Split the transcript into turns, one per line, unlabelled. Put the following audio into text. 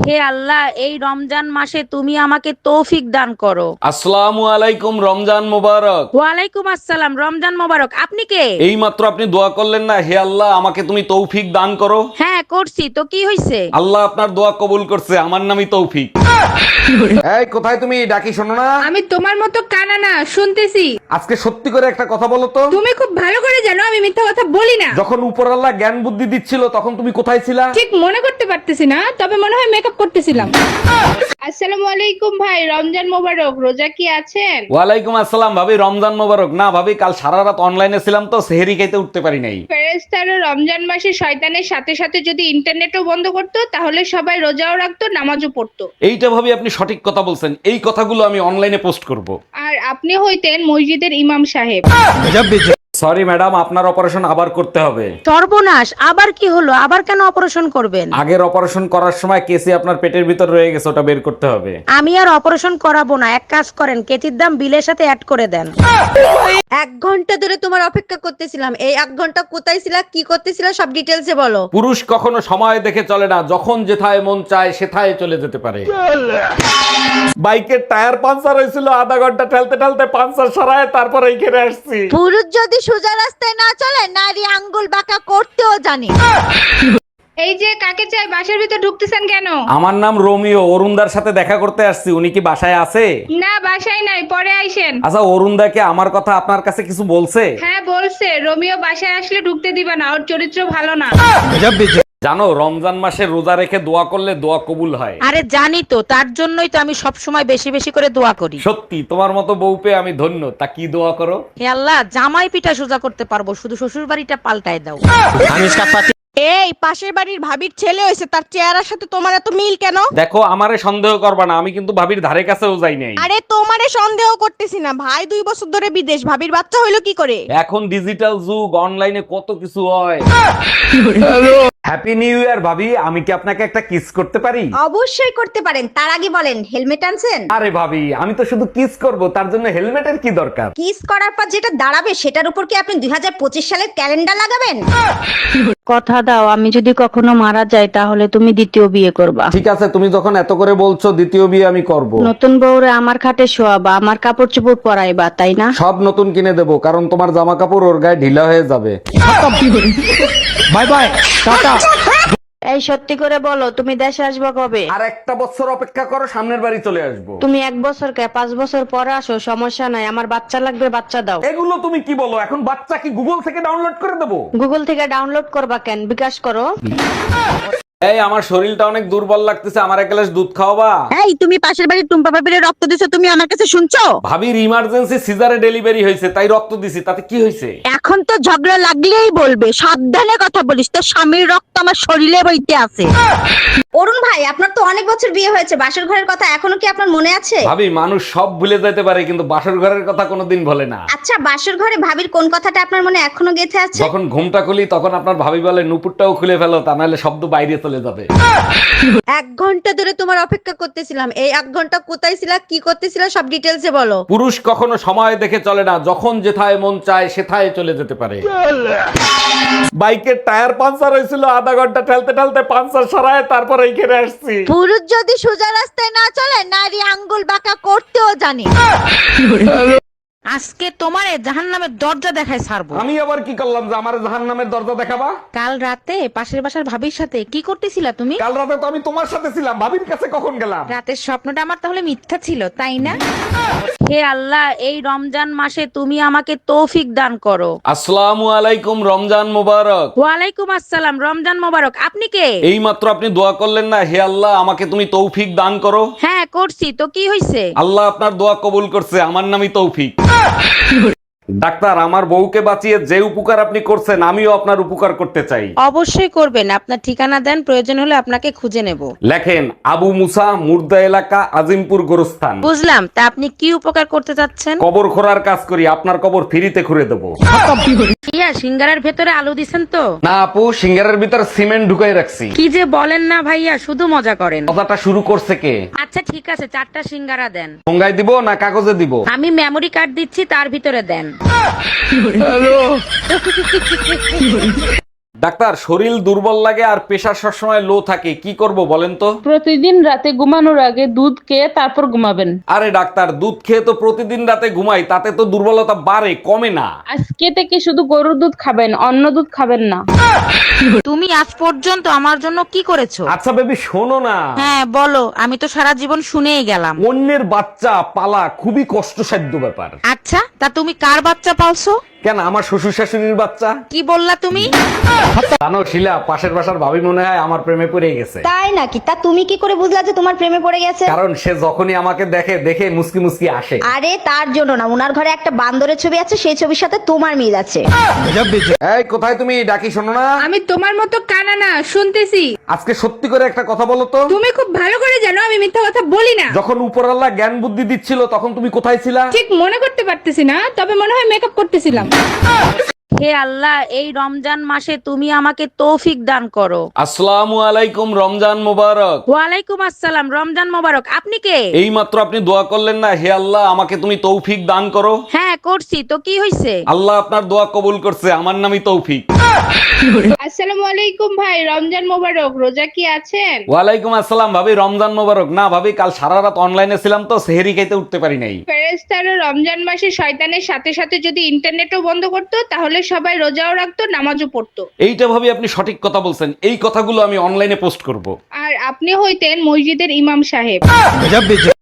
হে আল্লাহ, এই রমজান মাসে তুমি আমাকে তৌফিক দান করো।
আসসালামু আলাইকুম, রমজান মোবারক।
ওয়ালাইকুম আসসালাম, রমজান মোবারক। আপনি কে?
এই মাত্র আপনি দোয়া করলেন না, হে আল্লাহ আমাকে তুমি তৌফিক দান করো।
হ্যাঁ করছি তো, কি হয়েছে?
আল্লাহ আপনার দোয়া কবুল করছে, আমার নামই তৌফিক। এই কোথায় তুমি, ডাকি শোনো না?
আমি তোমার মতো কানা না, শুনতেছি।
আজকে সত্যি করে একটা কথা বলো তো।
তুমি খুব ভালো করে জানো আমি মিথ্যা কথা বলি না।
যখন উপরআল্লাহ জ্ঞান বুদ্ধি দিচ্ছিল তখন তুমি কোথায় ছিলা?
ঠিক মনে করতে পারতেছি না, তবে মনে হয় মেকআপ করতেছিলাম। আসসালামু আলাইকুম ভাই, রমজান মোবারক। রোজা কি আছেন?
ওয়ালাইকুম আসসালাম ভাবি, রমজান মোবারক। না ভাবি, কাল সারা রাত অনলাইনে ছিলাম তো সেহরি খাইতে উঠতে পারি নাই।
ফেরেশতারা রমজান মাসে শয়তানের সাথে সাথে যদি ইন্টারনেটও বন্ধ করতো তাহলে সবাই রোজাও রাখতো, নামাজও পড়তো।
এইটা ভাবি আপনি সঠিক কথা বলছেন, এই কথাগুলো আমি অনলাইনে পোস্ট করব।
আর আপনি হইতেন মসজিদের ইমাম সাহেব।
সরি ম্যাডাম, আপনার অপারেশন আবার করতে হবে।
সর্বনাশ, আবার কি হলো? আবার কেন অপারেশন করবেন?
আগের অপারেশন করার সময় কেসি আপনার পেটের ভিতর রয়ে গেছে, ওটা বের করতে হবে।
আমি আর অপারেশন করাবো না, এক কাজ করেন, কেচির দাম বিলের সাথে অ্যাড করে দেন।
1 ঘন্টা ধরে তোমার অপেক্ষা করতেছিলাম। এই 1 ঘন্টা কোথায় ছিলা, কি করতেছিলা, সব ডিটেলসে বলো।
পুরুষ কখনো সময় দেখে চলে না, যখন যেথায় মন চায় সেথায় চলে যেতে পারে। বাইকের টায়ার পাঞ্চার হয়েছিল, আধা ঘন্টা ঠেলতে ঠেলতে পাঞ্চার সরায় তারপর এইখানে আসছি।
পুরুষ যদি সোজা রাস্তায় না চলে, নারী আঙ্গুল বাঁকা করতেও জানে।
এই যে কাকে চাই, বাসার ভিতর ঢুকতেছেন কেন?
আমার নাম রোমিও, অরুণদার সাথে দেখা করতে আসছি। উনি কি বাসায় আছে?
না, বাসায় নাই, পরে আইসেন।
আচ্ছা, অরুণদাকে আমার কথা আপনার কাছে কিছু বলছে?
হ্যাঁ বলছে, রোমিও বাসায় আসলে ঢুকতে দিবে না, ওর চরিত্র ভালো না।
জানো, রমজান মাসে রোজা রেখে দোয়া করলে দোয়া কবুল হয়।
আরে জানি তো, তার জন্যই তো আমি সব সময় বেশি বেশি করে দোয়া করি।
সত্যি তোমার মতো বউ পেয়ে আমি ধন্য। তা কি দোয়া করো?
হে আল্লাহ, জামাই পিঠা সোজা করতে পারবো, শুধু শ্বশুর বাড়িটা পাল্টায় দাও।
এই পাশের বাড়ির ভাবির ছেলে হয়েছে, তার চেহারার সাথে তোমার এত মিল কেন?
দেখো, আমারে সন্দেহ করবা না, আমি কিন্তু ভাবির ধারে কাছেও যাই নাই।
আরে তোমারে সন্দেহ করতেছি না, ভাই 2 বছর ধরে বিদেশ, ভাবির বাচ্চা হইলো কি করে?
এখন ডিজিটাল যুগ, অনলাইনে কত কিছু হয়। হ্যাপি নিউ ইয়ার ভাবি, আমি কি আপনাকে একটা কিস করতে পারি?
অবশ্যই করতে পারেন, তার আগে বলেন হেলমেট আনছেন?
আরে ভাবি, আমি তো শুধু কিস করব, তার জন্য হেলমেটের কি দরকার?
কিস করার পর যেটা দাঁড়াবে সেটার উপর কি আপনি 2025 সালের ক্যালেন্ডার লাগাবেন?
কথা দাও, আমি যদি কখনো মারা যাই তাহলে তুমি দ্বিতীয় বিয়ে করবা।
ঠিক আছে, তুমি যখন এত করে বলছো, দ্বিতীয় বিয়ে আমি করব।
নতুন বউরে আমার খাটে শোয়াবা, আমার কাপড় চোপড় পরাইবা, তাই না?
সব নতুন কিনে দেবো, কারণ তোমার জামা কাপড় ওর গায়ে ঢিলা হয়ে যাবে। Bye bye, tata.
এই সত্যি করে বলো, তুমি দেশে আসবে কবে?
আর একটা বছর অপেক্ষা করো, সামনের বাড়ি চলে আসবো।
তুমি 1 বছর কে 5 বছর পরে আসো, সমস্যা নাই, আমার বাচ্চা লাগবে, বাচ্চা দাও।
এগুলো তুমি কি বলো? এখন বাচ্চা কি গুগল থেকে ডাউনলোড করে দেবো?
গুগল থেকে ডাউনলোড করবা কেন, বিকাশ করো।
এই, আমার শরীরটা অনেক দুর্বল লাগতেছে, আমার এক গ্লাস দুধ খাওয়াবা?
এই তুমি পাশের বাড়ির টুম্পা পাপিরে রক্ত দিছো, তুমি আমার কাছে শুনছো?
ভাবির ইমার্জেন্সি সিজারে ডেলিভারি হয়েছে, তাই রক্ত দিছি, তাতে কি হয়েছে?
এখন তো ঝগড়া লাগলেই বলবে, সাবধানে কথা বলিস, তোর স্বামীর রক্ত আমার শরীরে বইতে আছে। অরুণ ভাই, আপনার তো অনেক বছর বিয়ে হয়েছে, বাসর ঘরের কথা এখনো কি আপনার মনে আছে?
ভাবি, মানুষ সব ভুলে যেতে পারে কিন্তু বাসর ঘরের কথা কোনোদিন ভোলে না।
আচ্ছা, বাসর ঘরে ভাবির কোন কথাটা আপনার মনে এখনো গেঁথে আছে?
যখন ঘুমটা খুলি তখন আপনার ভাবি বলে, নুপুরটাও খুলে ফেলো, তা নাহলে শব্দ বাইরে চলে যাবে।
1 ঘন্টা ধরে তোমার অপেক্ষা করতেছিলাম। এই 1 ঘন্টা কোথায় ছিলা, কি করতেছিলা, সব ডিটেলসে বলো।
পুরুষ কখনো সময় দেখে চলে না, যখন যেথায় মন চায় সেথায় চলে যেতে পারে। বাইকের টায়ার পাঞ্চার হয়েছিল, আধা ঘন্টা ঠেলতে ঠেলতে পাঞ্চার সরায় তারপর এইখানে আসছি।
পুরুষ যদি সোজা রাস্তায় না চলে, নারী আঙ্গুল বাঁকা করতেও জানে।
আজকে তোমারে জাহান্নামের দরজা দেখায় ছাড়বো।
আমি আবার কি করলাম যে আমার জাহান্নামের দরজা দেখাবা?
কাল রাতে পাশের বাসার ভাবির সাথে কি করতেছিলা তুমি?
কাল রাতে তো আমি তোমার সাথে ছিলাম, ভাবির কাছে কখন গেলাম?
রাতের স্বপ্নটা আমার তাহলে মিথ্যা ছিল, তাই না? হে আল্লাহ, এই রমজান মাসে তুমি আমাকে তৌফিক দান করো।
আসসালামু আলাইকুম, রমজান মোবারক।
ওয়ালাইকুম আসসালাম, রমজান মোবারক। আপনি কে?
এই মাত্র আপনি দোয়া করলেন না, হে আল্লাহ আমাকে তুমি তৌফিক দান করো।
হ্যাঁ করছি তো, কি হয়েছে?
আল্লাহ আপনার দোয়া কবুল করছে, আমার নামই তৌফিক। ডাক্তার, আমার বউকে বাঁচিয়ে যে উপকার আপনি করছেন, আমিও আপনার উপকার করতে চাই।
অবশ্যই করবেন, আপনার ঠিকানা দেন, প্রয়োজন হলে আপনাকে খুঁজে নেব।
লেখেন, আবু মুসা, মুর্দা এলাকা, আজিমপুর গোরস্থান।
বুঝলাম, তা আপনি কি উপকার করতে চাচ্ছেন?
কবর খোঁড়ার কাজ করি, আপনার কবর ফ্রিতে খুঁড়ে দেবো।
ইয়া, সিঙ্গারার ভেতরে আলু দিছেন তো?
না আপু, সিঙ্গারের ভিতর সিমেন্ট ঢুকাই রাখছি।
কি যে বলেন না ভাইয়া, শুধু মজা করেন।
কথাটা শুরু করছে কে?
আচ্ছা ঠিক আছে, 4টা সিঙ্গারা দেন।
ঠোঙ্গায় দিব না কাগজে দিব?
আমি মেমরি কার্ড দিচ্ছি, তার ভিতরে দেন।
ডাক্তার, শরীর দুর্বল লাগে আর প্রেশার সবসময় লো থাকে, কি করব বলেন তো?
প্রতিদিন রাতে ঘুমানোর আগে দুধ খেয়ে তারপর ঘুমাবেন।
আরে ডাক্তার, দুধ খেয়ে তো প্রতিদিন রাতে ঘুমাই, তাতে তো দুর্বলতা বাড়ে কমে না।
আজকে থেকে শুধু গরুর দুধ খাবেন, অন্য দুধ খাবেন না।
তুমি আজ পর্যন্ত আমার জন্য কি করেছো?
আচ্ছা বেবি, শোনো না।
হ্যাঁ বলো, আমি তো সারা জীবন শুনেই গেলাম।
অন্যের বাচ্চা পালা খুবই কষ্টসাধ্য ব্যাপার।
আচ্ছা, তা তুমি কার বাচ্চা পালছো?
কেন, আমার শ্বশুর শাশুড়ির বাচ্চা।
কি বললা তুমি?
জানো শিলা, পাশের বাসার ভাবি মনে হয় আমার প্রেমে পড়ে গেছে।
তাই নাকি? তা তুমি কি করে বুঝলা যে তোমার প্রেমে পড়ে গেছে?
কারণ সে যখনই আমাকে দেখে মুসকি মুসকি আসে।
আরে তার জন্য না, উনার ঘরে একটা বান্দরের ছবি আছে, সেই ছবির সাথে তোমার মিল আছে।
এই কোথায় তুমি, ডাকি শোনো না?
আমি তোমার মতো কানা না, শুনতেছি।
আজকে সত্যি করে একটা কথা বলো তো।
তুমি খুব ভালো করে জানো আমি মিথ্যা কথা বলি না।
যখন উপরওয়ালা জ্ঞান বুদ্ধি দিচ্ছিল তখন তুমি কোথায় ছিলা?
ঠিক মনে করতে পারতেছি না, তবে মনে হয় মেকআপ করতেছিলাম।
হে আল্লাহ, এই রমজান মাসে তুমি আমাকে তৌফিক দান করো।
আসসালামু আলাইকুম, রমজান মোবারক।
ওয়ালাইকুম আসসালাম, রমজান মোবারক। আপনি কে?
এই মাত্র আপনি দোয়া করলেন না, হে আল্লাহ আমাকে তুমি তৌফিক দান করো।
হ্যাঁ করছি তো, কি হয়েছে?
আল্লাহ আপনার দোয়া কবুল করছে, আমার নামই তৌফিক।
আসসালামু আলাইকুম ভাই, রমজান মোবারক। রোজা কি আছেন?
ওয়ালাইকুম আসসালাম ভাবি, রমজান মোবারক। না ভাবি, কাল সারা রাত অনলাইনে ছিলাম তো সেহরি খাইতে উঠতে পারি নাই।
ফেরেশতারা রমজান মাসে শয়তানের সাথে সাথে যদি ইন্টারনেটও বন্ধ করতো তাহলে সবাই রোজাও রাখতো, নামাজও পড়তো।
এইটা ভাবি আপনি সঠিক কথা বলছেন, এই কথাগুলো আমি অনলাইনে পোস্ট করব।
আর আপনি হইতেন মসজিদের ইমাম সাহেব।